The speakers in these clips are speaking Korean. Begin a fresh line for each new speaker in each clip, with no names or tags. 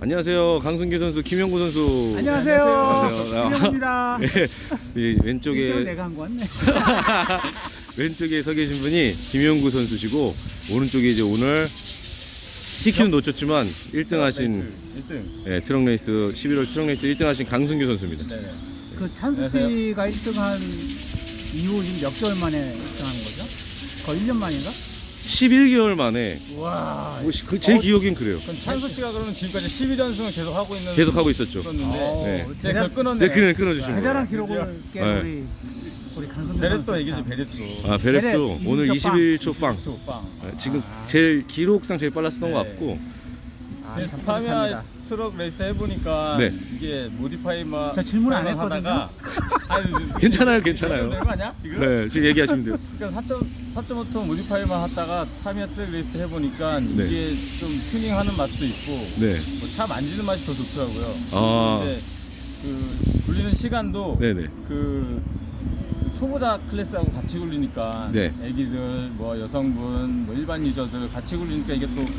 안녕하세요. 강승규 선수, 김영구 선수.
안녕하세요.
안녕하세요.
김영구입니다.
이 왼쪽에
내가 한 거 같네.
왼쪽에 서 계신 분이 김영구 선수시고 오른쪽에 이제 오늘 TQ는 놓쳤지만 1등 하신
1등.
트럭 레이스 11월 트럭 레이스 1등 하신 강승규 선수입니다.
네.
그 찬수 씨가 1등한 이후 지금 몇 개월 만에 1등하는 거죠? 거의 1년 만인가?
11개월 만에
와.
제 기억엔 그래요.
그럼 찬수 씨가 그러면 지금까지 12연승을 계속 하고 있는
계속 하고 있었죠.
있었는데
네.
제가 그걸 끊었네요.
네, 그냥 끊어주시면
대단한
돼요.
기록을 깬
네.
우리 강성규
베렛도
선수
얘기지
참.
베렛도.
아, 베렛도
베렛
오늘 21초 빵.
빵.
지금 제일 기록상 제일 빨랐었던 것
네.
같고
아, 참
타미야
뿌듯합니다.
트럭 레이스 해보니까
네.
이게 모디파이만
저 질문 안
하다가 아니,
괜찮아요, 괜찮아요.
되는 거 아니야? 지금?
네, 지금 얘기하시면 돼요.
그러니까 4.5톤 모디파이만 하다가 타미야 트랙 레이스 해보니까
네.
이게 좀 튜닝하는 맛도 있고
네.
뭐 차 만지는 맛이 더 좋더라고요.
아.
근데 그 굴리는 시간도
네네.
그 초보자 클래스하고 같이 굴리니까
네.
애기들 뭐 여성분 뭐 일반 유저들 같이 굴리니까 이게 또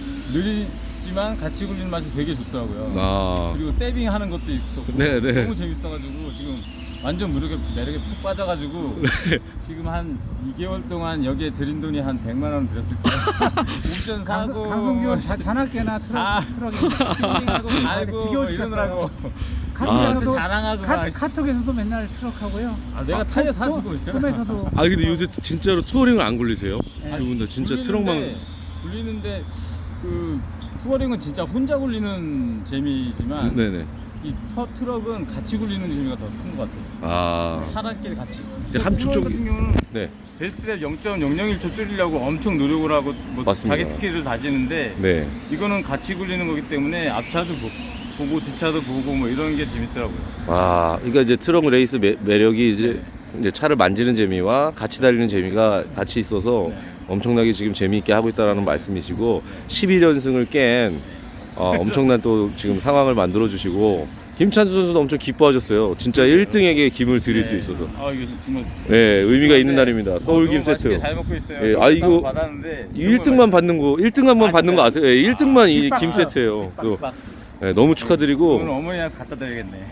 느리지만 같이 굴리는 맛이 되게 좋더라고요.
아,
그리고 떼빙 하는 것도 있었고
네네.
너무 재밌어가지고 지금 완전 매력에 푹 빠져가지고 지금 한 2개월 동안 여기에 들인 돈이 한 100만 원 들었을 거예요. 옵션 사고
강성규 잔학계나 트럭이
튜닝하고 갈고
지겨워
뭐 이러느라고
카톡에서도
자랑하고 막.
카톡에서도 맨날 트럭 하고요.
내가 타이어 사주고 있잖아.
꿈에서도
아 근데 요새 진짜로 투어링을 안 굴리세요?
네.
두 분 다 진짜 트럭만.
굴리는데 그 투어링은 진짜 혼자 굴리는 재미지만
네네.
이 트럭은 같이 굴리는 재미가 더 큰 것 같아요.
아,
사람끼리 같이.
이제 함축
투어
쪽이-
같은 경우는
네.
베스트랩 0.001초 줄이려고 엄청 노력을 하고 뭐
맞습니다.
자기 스킬을 다지는데
네.
이거는 같이 굴리는 거기 때문에 앞차도 보고 뒷차도 보고 뭐 이런 게 재밌더라고요.
아, 그러니까 이제 트럭 레이스 매력이 이제 차를 만지는 재미와 같이 달리는 재미가 같이 있어서
네.
엄청나게 지금 재미있게 하고 있다라는 말씀이시고 11연승을 깬 엄청난 또 지금 상황을 만들어 주시고 김찬수 선수도 엄청 기뻐하셨어요. 진짜 1등에게 김을 드릴 수 있어서.
아 이게 정말
네, 의미가 있는 날입니다. 서울 김
너무 맛있게
세트.
잘 먹고 있어요.
예, 아, 이거
받았는데
이 1등만 받는 거, 1등만 받는 거 아세요? 예, 1등만 이
빅박스.
김 세트예요. 또
박스.
네, 너무
오늘
축하드리고
어머니한테 갖다 드리겠네.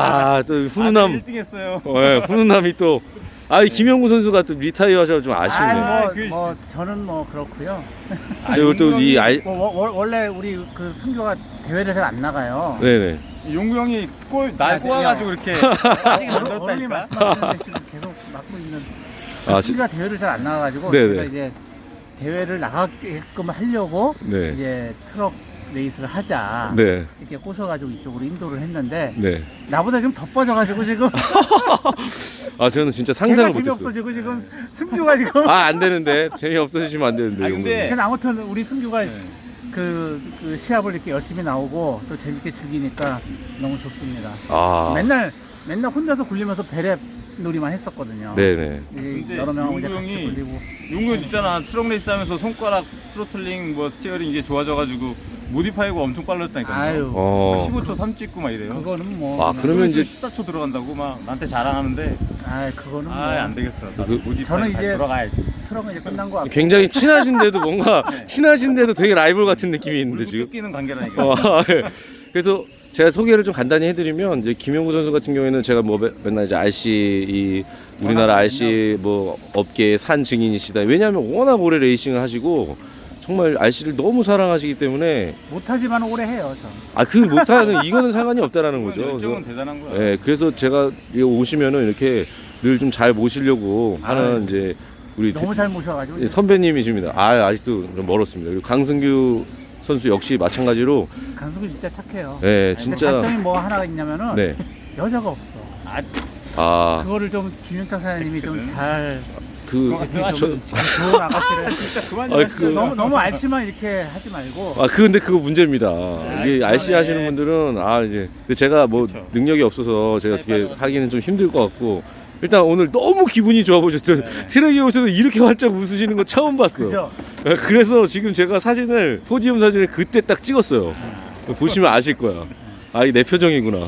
또 훈훈함,
1등 했어요.
훈훈함이 또 김영구 선수가 또 리타이어 하셔서 좀 아쉽네요.
뭐 저는 뭐 그렇고요.
그리고 또이
원래 우리 그 승규가 대회를 잘 안 나가요.
네네.
용구 형이 날 꼬아가지고 이렇게 아직 안
어른이
들었다니까.
말씀하시는데 지금 계속 맡고 있는
아,
승규가 대회를 잘 안 나가가지고
네네.
제가 이제 대회를 나가게끔 하려고
네.
이제 트럭 레이스를 하자
네.
이렇게 꼬셔가지고 이쪽으로 인도를 했는데
네.
나보다 좀 더 빠져가지고 지금
저는 진짜
제가
상상을 못했어요.
재미없어지고 지금 승규가 지금
안 되는데 재미 없어지시면 안 되는데.
아니, 근데
그래서 아무튼 우리 승규가
네.
그 시합을 이렇게 열심히 나오고 또 재밌게 즐기니까 너무 좋습니다.
아,
맨날 혼자서 굴리면서 배랩 놀이만 했었거든요.
네네.
이 여러 명하고 이제
용구
같이
형이
굴리고
용구 형 있잖아. 트럭 레이스 하면서 손가락 스로틀링 뭐 스티어링 이게 좋아져가지고 모디파이가 엄청 빨랐다니까요.
아유
15초 3 찍고 막 이래요.
그거는 뭐
아, 그러면 이제
14초 들어간다고 막 나한테 자랑하는데
그거는 뭐
안 되겠어. 나도
그-
모디파이
저는
다시
이제
돌아가야지.
트럭은 이제 끝난 거 같고
굉장히 친하신데도 뭔가 친하신데도 되게 라이벌 같은 느낌이 있는데
물고
지금.
뜯기는 관계라니까.
예. 그래서 제가 소개를 좀 간단히 해드리면 이제 김영구 선수 같은 경우에는 제가 뭐 맨날 이제 RC 우리나라 RC 뭐 업계의 산 증인이시다. 왜냐하면 워낙 오래 레이싱을 하시고 정말 RC를 너무 사랑하시기 때문에
못하지만 오래 해요. 저.
그 못하는 이거는 상관이 없다라는 거죠.
열정은 대단한 거야.
예, 그래서 제가 여기 오시면은 이렇게 늘 좀 잘 모시려고 하는
아유.
이제 우리
너무 잘 모셔가지고
선배님이십니다. 아직도 좀 멀었습니다. 그리고 강승규 선수 역시 마찬가지로
강수기 진짜 착해요.
네,
근데
진짜
단점이 뭐 하나가 있냐면은
네.
여자가 없어.
아,
그거를 좀 김영탁 사장님이 좀 잘
그
좋은 아가씨를
진짜 그만
아,
좀
너무 RC만 이렇게 하지 말고
근데 그거 문제입니다. 이게 RC
알겠습니다.
하시는 분들은 이제 근데 제가 뭐
그쵸.
능력이 없어서 제가
잘
어떻게
빠져가지고.
하기는 좀 힘들 것 같고 일단 오늘 너무 기분이 좋아 보셨죠.
네.
트랙에 오셔서 이렇게 활짝 웃으시는 거 처음 봤어요.
그죠?
그래서 지금 제가 사진을 포디움 사진을 그때 딱 찍었어요. 보시면 아실 거야. 이게 내 표정이구나.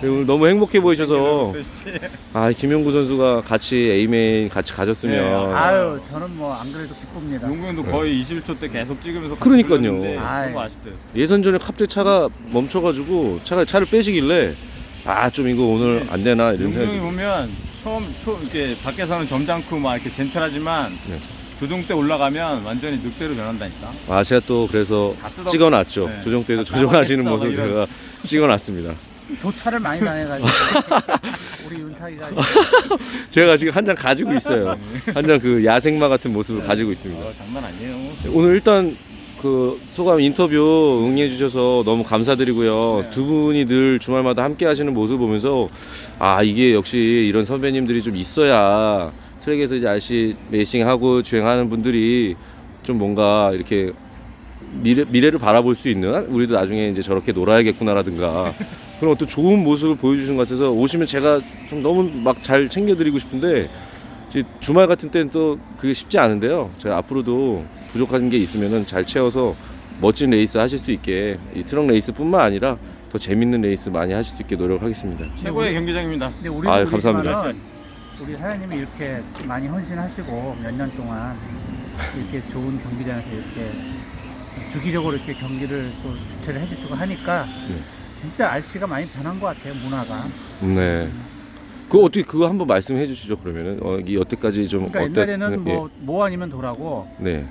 오늘 너무 행복해 보이셔서 아 김용구 선수가 같이 A메인 같이 가졌으면
네,
아유 저는 뭐 안 그래도 기쁩니다.
용구 형도 거의 21초 때 계속 찍으면서
그러니까요.
불렀는데
아이.
너무 아쉽대요.
예선전에 갑자기 차가 멈춰가지고 차를 빼시길래 아 좀 이거 오늘 안 되나 이런
용구 형이
생각이
보면 처음 이렇게 밖에서는 점잖고 막 이렇게 젠틀하지만
네.
조종 때 올라가면 완전히 늑대로 변한다니까.
아 제가 또 그래서
다 뜯어-
찍어놨죠.
네.
조정 때도
다
조정하시는
따먹겠어,
모습
막
제가 찍어놨습니다.
교차를 많이 당해가지고 우리 윤탁이가
제가 지금 한 장 가지고 있어요. 한 장 그 야생마 같은 모습을 가지고 있습니다.
장난 아니에요.
오늘 일단 그 소감 인터뷰 응해 주셔서 너무 감사드리고요.
네.
두 분이 늘 주말마다 함께 하시는 모습을 보면서 아 이게 역시 이런 선배님들이 좀 있어야 트랙에서 이제 RC 레이싱하고 주행하는 분들이 좀 뭔가 이렇게 미래를 바라볼 수 있는 우리도 나중에 이제 저렇게 놀아야겠구나라든가 그런 어떤 좋은 모습을 보여주신 것 같아서 오시면 제가 좀 너무 막 잘 챙겨드리고 싶은데 이제 주말 같은 때는 또 그게 쉽지 않은데요. 제가 앞으로도 부족한 게 있으면은 잘 채워서 멋진 레이스 하실 수 있게 이 트럭 레이스뿐만 아니라 더 재밌는 레이스 많이 하실 수 있게 노력하겠습니다.
최고의 경기장입니다.
근데 우리도
아유, 감사합니다.
그렇지만은 우리 사장님이 이렇게 많이 헌신하시고 몇 년 동안 이렇게 좋은 경기장에서 이렇게 주기적으로 이렇게 경기를 또 주최를 해주시고 하니까
네.
진짜 RC가 많이 변한 것 같아요, 문화가.
네. 그거 어떻게 그거 한번 말씀해 주시죠 그러면은 이 여태까지 좀
그러니까
어때?
옛날에는 뭐 아니면 도라고
네.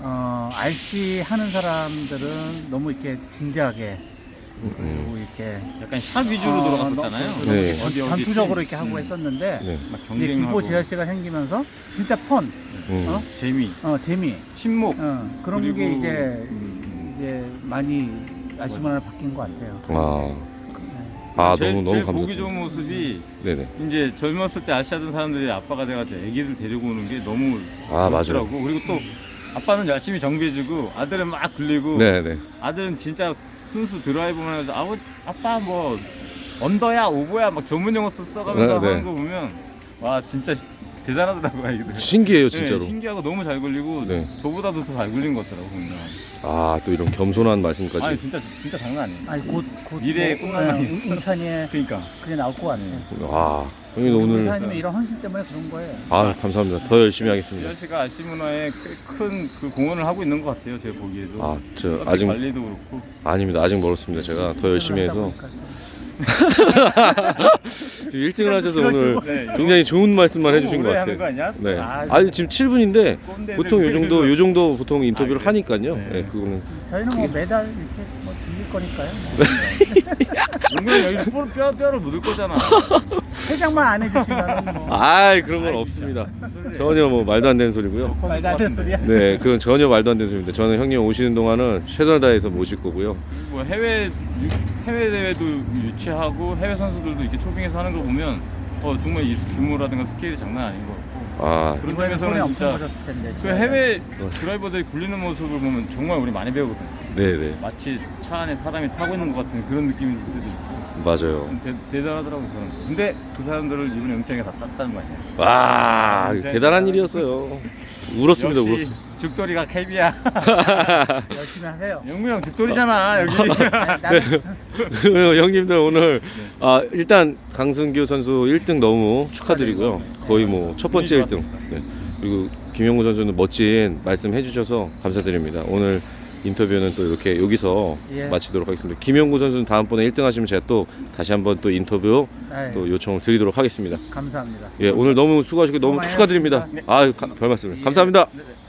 RC 하는 사람들은 너무 이렇게 진지하게 그리고 이렇게
약간 샵 위주로 돌아갔었잖아요.
네.
전투적으로 이렇게 하고 했었는데
네.
막
이제 김포
경쟁하고
GRC가 생기면서 진짜 펀, 어?
재미,
재미,
친목.
그런 게
그리고,
이제 많이 RC 문화가 바뀐 것 같아요.
제일
너무
보기
감사드립니다.
좋은 모습이
네네.
이제 젊었을 때 RC 하던 사람들이 아빠가 돼가지고 애기들 데리고 오는 게 너무
맞아요.
멋있더라고. 그리고 또 아빠는 열심히 정비해주고 아들은 막 굴리고
네네.
아들은 진짜 순수 드라이브만 해서 아빠 뭐 언더야 오버야 막 전문 용어 써가면서
네, 네.
하는 거 보면 와 진짜 대단하더라고 애기들.
신기해요 진짜로.
네, 신기하고 너무 잘 굴리고
네.
저보다도 더 잘 굴린 것 같더라고 보면.
또 이런 겸손한 말씀까지.
아니 진짜 장난 아니에요.
아니 곧
미래의 꿈나무
인천에
그러니까.
그게 나올 것 같아요.
형님
우리
오늘
사장님의 이런 헌신 때문에 그런 거예요.
감사합니다. 더 열심히 하겠습니다.
지아씨가 RC 문화에 꽤 큰 그 공헌을 하고 있는 것 같아요. 제가 보기에도.
저
서킷
아직
관리도 그렇고.
아닙니다. 아직 멀었습니다. 제가 더 열심히 해서 지금 1등을 하셔서 오늘
네,
굉장히 좋은 말씀만
너무
해주신 것
오래 하는 거
같아요.
아니야?
네.
아,
지금 7분인데
꼰대들
보통 요 정도 보통 인터뷰를
그래요?
하니까요.
네.
네, 그거는
저희는 뭐 매달 이렇게 뭐 들릴 거니까요.
용병 여기 뼈를 묻을 거잖아.
회장만 안 해주시면 뭐
그런 건
아이,
없습니다.
진짜.
전혀 뭐 말도 안 되는 소리고요.
말도 안 되는 소리야.
네, 그건 전혀 말도 안 되는 소리입니다. 저는 형님 오시는 동안은 최선을 다해서 모실 거고요.
뭐 해외 대회도 유치하고 해외 선수들도 이렇게 초빙해서 하는 걸 보면 정말 이 규모라든가 스케일이 장난 아닌 것 같고. 그런
이번에는 손에
점에서는
엄청
진짜
묻었을 텐데.
그 해외 드라이버들이 굴리는 모습을 보면 정말 우리 많이 배우거든요.
네네,
마치 차 안에 사람이 타고 있는 것 같은 그런 느낌이 들 때도 있고.
맞아요.
대단하더라고요, 저는. 근데 그 사람들을 이번에 영창에 다 땄다는 거 아니에요?
와, 대단한 일이었어요. 울었습니다.
역시
울었어요.
죽돌이가 캡이야.
열심히 하세요.
영무 형 죽돌이잖아, 여기.
나는
형님들 오늘 일단 강승규 선수 1등 너무 축하드리고요. 거의 뭐 첫 번째 1등. 네. 그리고 김용구 선수는 멋진 말씀 해주셔서 감사드립니다. 오늘 인터뷰는 또 이렇게 여기서
예.
마치도록 하겠습니다. 김용구 선수는 다음번에 1등 하시면 제가 또 다시 한번 또 인터뷰 또 요청을 드리도록 하겠습니다.
감사합니다.
예, 오늘 너무 수고하시고 너무
수고 많이
축하드립니다.
하셨습니다.
별 말씀을. 감사합니다.
네.